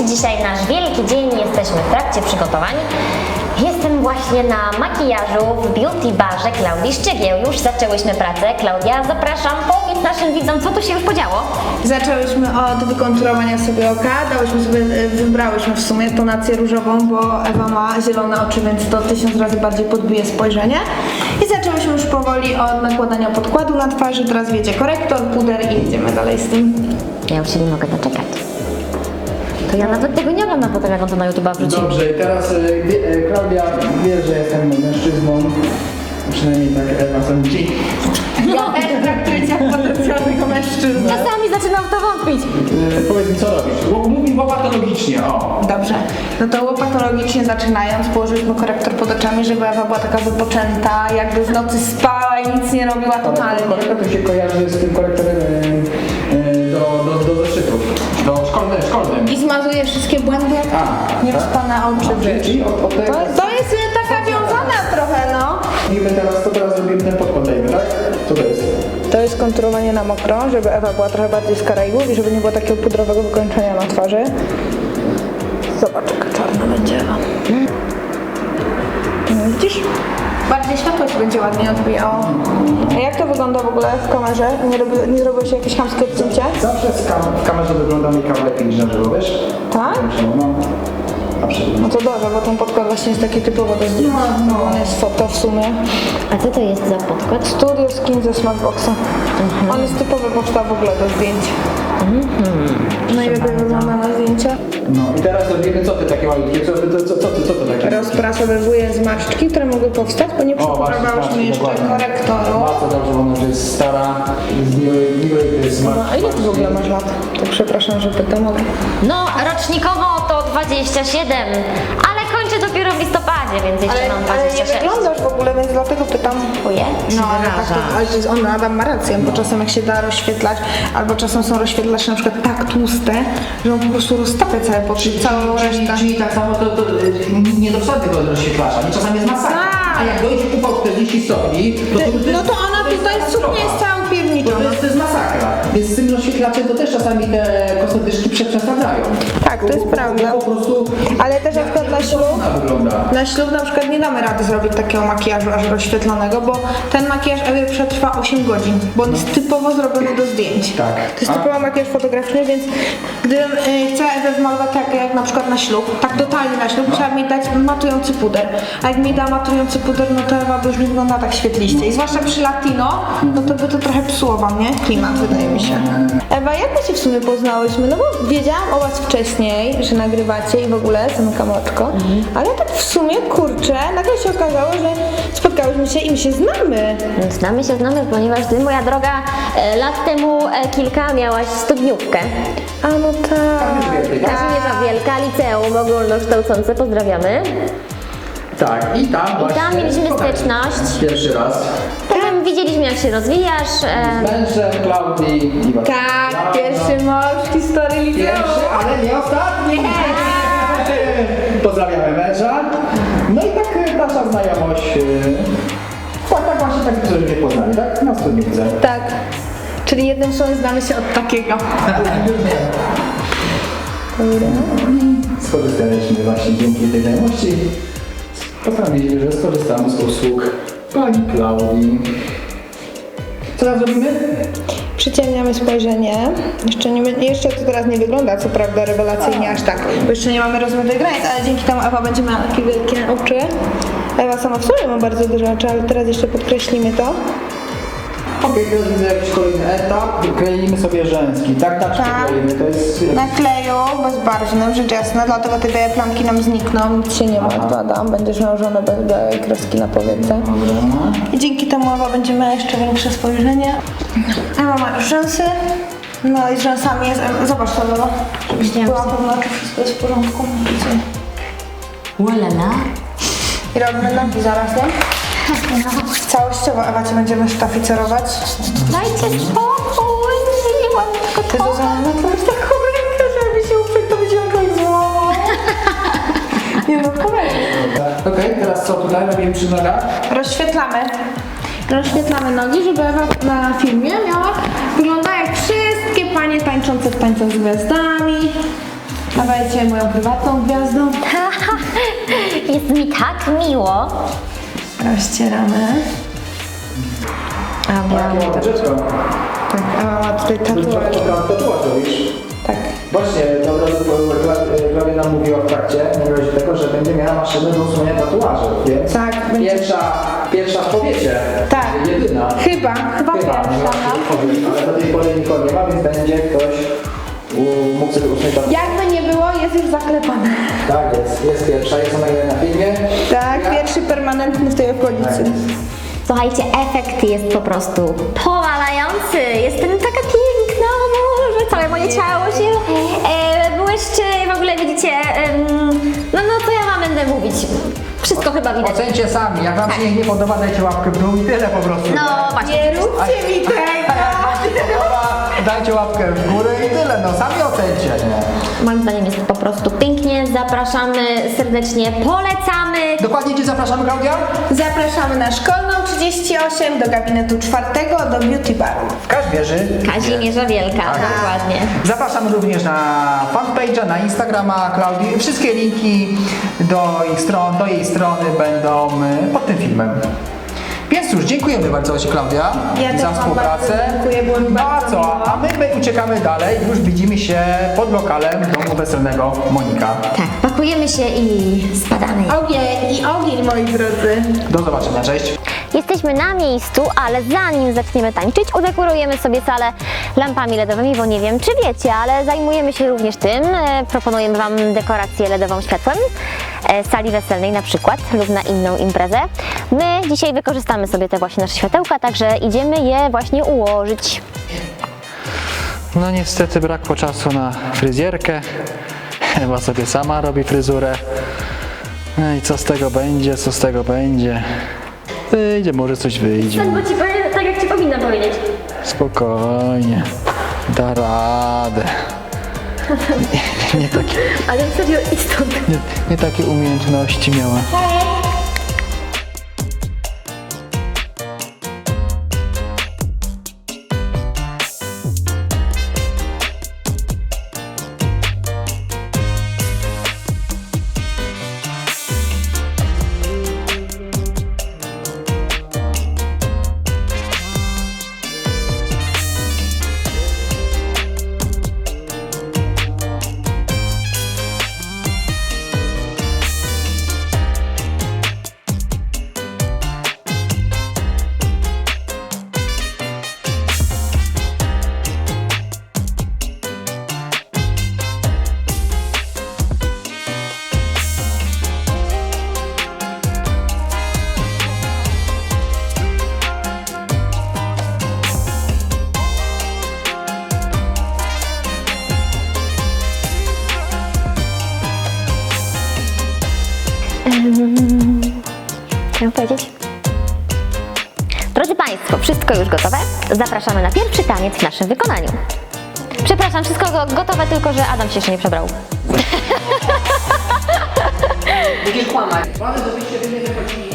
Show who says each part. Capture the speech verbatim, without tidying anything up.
Speaker 1: dzisiaj nasz wielki dzień, jesteśmy w trakcie przygotowań. Jestem właśnie na makijażu w beauty barze Klaudii Szczygieł. Już zaczęłyśmy pracę. Klaudia, zapraszam, powiedz naszym widzom, co tu się już podziało.
Speaker 2: Zaczęłyśmy od wykonturowania sobie oka, dałyśmy sobie, wybrałyśmy w sumie tonację różową, bo Ewa ma zielone oczy, więc to tysiąc razy bardziej podbije spojrzenie. I zaczęłyśmy już powoli od nakładania podkładu na twarzy, teraz wiedzie korektor, puder i jedziemy dalej z tym.
Speaker 1: Ja już się nie mogę doczekać. To ja nawet tego nie oglądam potem, jak on to na YouTube'a wrzuci.
Speaker 3: Dobrze, i teraz e, wie, e, Klaudia wie, że jestem mężczyzną. Przynajmniej tak Ewa sądzi.
Speaker 2: Ja też traktuję cię jak potencjalnego mężczyznę.
Speaker 1: Czasami zaczynam w to wątpić.
Speaker 3: E, powiedz mi, co robisz? Bo mówi łopatologicznie, o.
Speaker 2: Dobrze, no to łopatologicznie zaczynając, położyliśmy korektor pod oczami, żeby Ewa była taka wypoczęta, jakby w nocy spała i nic nie robiła totalnie.
Speaker 3: Korektor to się kojarzy z tym korektorem e, e, do, do, do zeszytów. Do szkolnym, szkolnym.
Speaker 2: I zmazuje wszystkie błędy, jak
Speaker 3: A,
Speaker 2: niewyspane oczy.
Speaker 3: Czyli, czyli od, od tego...
Speaker 2: To, to jest y, taka wiązana trochę, no.
Speaker 3: Robimy teraz, to teraz robimy ten podkład, dajmy, tak? Co to jest?
Speaker 2: To jest konturowanie na mokro, żeby Ewa była trochę bardziej z Karaibów i żeby nie było takiego pudrowego wykończenia na twarzy. Zobacz, jaka czarna będzie Ewa. No, widzisz? Bardziej światło się będzie ładnie odbijało. A jak to wygląda w ogóle w kamerze? Nie, robi, nie zrobiło się jakieś chamskie odcięcie?
Speaker 3: Zawsze z kam w kamerze wygląda make-up lepiej niż na żywo, wiesz?
Speaker 2: Tak?
Speaker 3: No, absolutnie.
Speaker 2: No to dobrze, bo ten podkład właśnie jest taki typowo do zdjęć. No, on jest foto w sumie.
Speaker 1: A co to jest za podkład?
Speaker 2: Studio Skin ze Smartboxa. Mhm. On jest typowy powstał w ogóle do zdjęć. Mhm. Najlepiej wygląda na zdjęcia.
Speaker 3: No i teraz robimy co ty takie malutkie, co, co, co, co, ty, co ty takie?
Speaker 2: Rozprasowywuję zmarszczki, które mogły powstać, bo nie przeprawałyśmy jeszcze korektoru.
Speaker 3: Bardzo dobrze, bo ona już jest stara, z miłej, miłej
Speaker 2: No a ile ty w ogóle masz lat? Tak przepraszam, że pytam, ale...
Speaker 1: No, rocznikowo to dwadzieścia siedem, ale kończę dopiero w listopadzie, więc jeszcze
Speaker 2: Ale,
Speaker 1: mam
Speaker 2: ale
Speaker 1: dwadzieścia
Speaker 2: nie
Speaker 1: sześć.
Speaker 2: wyglądasz w ogóle, więc dlatego pytam.
Speaker 1: Dziękuję.
Speaker 2: No, ale tak to, ale to jest on, Adam ma rację, bo czasem jak się da rozświetlać, albo czasem są rozświetlacze na przykład tak tłuste, że on po prostu roztapia całe pod całą
Speaker 4: Czyli,
Speaker 2: resztę.
Speaker 4: czyli tak samo to, to y, nie do tego rozświetlacza, nie czasami jest masakra.
Speaker 2: Tak.
Speaker 4: A jak dojdzie upał czterdzieści stopni, to, to, to
Speaker 2: No to ona
Speaker 4: to jest
Speaker 2: tutaj
Speaker 4: katastrofa.
Speaker 2: suknia jest cała
Speaker 4: To,
Speaker 2: pierniczona.
Speaker 4: to, jest, to jest masakra. Więc z tym rozświetlaczem to też czasami te kosmetyczki przeszkadzają.
Speaker 2: Tak, to jest prawda.
Speaker 4: Po prostu
Speaker 2: Ale też na przykład na ślub,
Speaker 4: ona wygląda.
Speaker 2: na ślub na przykład nie damy rady zrobić takiego makijażu aż rozświetlonego, bo ten makijaż Ewie przetrwa osiem godzin, bo on jest typowo zrobiony do zdjęć.
Speaker 3: Tak.
Speaker 2: To jest
Speaker 3: A-
Speaker 2: typowo makijaż fotograficzny, więc gdybym y, chciała Ewę wmalować tak jak na przykład na ślub, tak totalnie na ślub, trzeba mi dać matujący puder. A jak mi da matujący puder, no to Ewa by już nie wygląda tak świetliście. I zwłaszcza przy latino, no to by to trochę psuło wam, nie? Klimat, wydaje mi się. Ewa, jak my się w sumie poznałyśmy? No bo wiedziałam o was wcześniej, że nagrywacie i w ogóle, zamykam oczko, ale tak w sumie, kurczę, nagle się okazało, że spotkałyśmy się i my się znamy.
Speaker 1: Znamy się, znamy, ponieważ ty, moja droga, e, lat temu e, kilka miałaś studniówkę.
Speaker 2: A no tak.
Speaker 1: Kazimierza Wielka, liceum ogólnokształcące, pozdrawiamy.
Speaker 3: Tak, i tam właśnie...
Speaker 1: tam mieliśmy styczność.
Speaker 3: Pierwszy raz.
Speaker 1: Potem widzieliśmy, jak się rozwijasz. E,
Speaker 3: Z mężem Klaudii i was.
Speaker 2: Tak, pierwszy mąż w historii liceum.
Speaker 3: Pierwszy, ale nie ostatni. Pozdrawiamy męża. No i tak e, nasza znajomość... e, Tak, tak właśnie tak, że mnie poznali, tak? Na studniówce.
Speaker 2: Tak. Czyli jednym słowem znamy się od takiego.
Speaker 3: Skorzystaliśmy właśnie dzięki tej znajomości. Postanowiliśmy, że skorzystamy z usług pani Klaudii. Co teraz robimy?
Speaker 2: Przyciemniamy spojrzenie. Jeszcze, nie, jeszcze to teraz nie wygląda, co prawda, rewelacyjnie aż tak, bo jeszcze nie mamy rozmytych granic, ale dzięki temu Ewa będzie miała takie wielkie oczy. Ewa sama w sobie ma bardzo duże oczy, ale teraz jeszcze podkreślimy to.
Speaker 3: Okej, teraz widzę jakiś kolejny etap. Kleimy sobie rzęski. Tak, tak,
Speaker 2: Tak.
Speaker 3: kleimy. To jest...
Speaker 2: Na kleju bezbarwnym, rzecz jasna, dlatego te białe plamki nam znikną, nic się nie martw, Adam, będziesz nałożone bez białej kreski na powiece. I dzięki temu Ewa będzie miała jeszcze większe spojrzenie. Ewa ma już rzęsy, no i z rzęsami jest, zobacz to, Ewa, żebyś
Speaker 1: Widziałam.
Speaker 2: była pewna, czy wszystko jest w porządku. Widzicie?
Speaker 1: Ulala.
Speaker 2: I robimy nogi zaraz, nie? Całościowo Ewa cię będziemy sztaficerować.
Speaker 1: Dajcie spokój, nie mam tylko
Speaker 2: Ty
Speaker 1: to.
Speaker 2: Zuzanna, no to masz taką rękę, że mi się uprzeć, to by się jakoś złamał. Nie no, powiedz.
Speaker 4: Okej, teraz co tutaj robimy przy nogach?
Speaker 2: Rozświetlamy. Rozświetlamy nogi, żeby Ewa na filmie miała wygląda jak wszystkie panie tańczące w tańcach z gwiazdami. Dawajcie moją prywatną gwiazdą.
Speaker 1: Jest mi tak miło.
Speaker 2: Rozcieramy. A
Speaker 3: Jakie
Speaker 2: miałam
Speaker 3: ładne dziecko.
Speaker 2: tak, a tutaj tatuaż.
Speaker 3: Tatuaż robisz?
Speaker 2: Tak.
Speaker 3: Właśnie, to od razu Klaudia nam mówiła w trakcie, mówiłaś tego, że będzie miała maszynę do usunięcia tatuaży, więc
Speaker 2: Tak, będzie-
Speaker 3: pierwsza, pierwsza w powiecie,
Speaker 2: Tak.
Speaker 3: jedyna.
Speaker 2: Chyba, chyba
Speaker 3: Chyba,
Speaker 2: pierwsza. no.
Speaker 3: ale do tej pory nikogo nie ma, więc będzie ktoś u- mógł sobie usunąć tatuaż.
Speaker 2: Jakby nie było, jest już zaklepane.
Speaker 3: Tak jest, jest pierwsza, jest ona na filmie.
Speaker 2: Tak, pierwszy permanentny w tej okolicy.
Speaker 1: Słuchajcie, efekt jest po prostu powalający. Jestem taka piękna, może całe moje ciało się e, błyszczy. W ogóle widzicie, em, no, no co ja wam będę mówić? Wszystko chyba widać.
Speaker 4: Ocencie sami, jak wam się nie podoba, dajcie łapkę w dół i tyle po prostu.
Speaker 1: No właśnie.
Speaker 2: Nie róbcie mi tego!
Speaker 4: A jak wam się podoba, dajcie łapkę w górę i tyle, no sami ocencie, nie?
Speaker 1: Moim zdaniem jest po prostu pięknie. Zapraszamy serdecznie, polecamy.
Speaker 4: Dokładnie gdzie zapraszamy, Klaudia?
Speaker 2: Zapraszamy na Szkolną trzydzieści osiem, do gabinetu czwartego, do beauty baru.
Speaker 4: W Kazimierzy.
Speaker 1: Kazimierza Wielka,
Speaker 4: Tak.
Speaker 1: dokładnie.
Speaker 4: Zapraszamy również na fanpage'a, na Instagrama Klaudii. Wszystkie linki do ich stron, do jej strony będą y, pod tym filmem. Więc cóż, dziękujemy bardzo Ci, Klaudia,
Speaker 2: Ja też
Speaker 4: za
Speaker 2: wam
Speaker 4: współpracę.
Speaker 2: bardzo dziękuję, było mi
Speaker 4: No a
Speaker 2: bardzo
Speaker 4: co?
Speaker 2: miło.
Speaker 4: A my, my uciekamy dalej. Już widzimy się pod lokalem domu weselnego Monika.
Speaker 1: Tak, pakujemy się i spadamy.
Speaker 2: Ogień i ogień, moi drodzy.
Speaker 4: Do zobaczenia, cześć.
Speaker 1: Jesteśmy na miejscu, ale zanim zaczniemy tańczyć, udekorujemy sobie salę lampami ledowymi, bo nie wiem, czy wiecie, ale zajmujemy się również tym. E, Proponujemy Wam dekorację ledową światłem, e, sali weselnej na przykład lub na inną imprezę. My dzisiaj wykorzystamy sobie te właśnie nasze światełka, także idziemy je właśnie ułożyć.
Speaker 5: No niestety brakło czasu na fryzjerkę. Chyba sobie sama robi fryzurę. No i co z tego będzie, co z tego będzie? Wyjdzie, może coś wyjdzie.
Speaker 1: Bo Ci powiem tak, jak Ci powinnam powiedzieć.
Speaker 5: Spokojnie. Da radę. Nie, nie, takie,
Speaker 1: Ale serio, idź stąd.
Speaker 5: nie, nie takie umiejętności miała.
Speaker 1: Co mam powiedzieć? Drodzy Państwo, wszystko już gotowe. Zapraszamy na pierwszy taniec w naszym wykonaniu. Przepraszam, wszystko go- gotowe, tylko że Adam się jeszcze nie przebrał.
Speaker 4: Będziesz kłamać. Ważne, żebyście wy nie wychodzili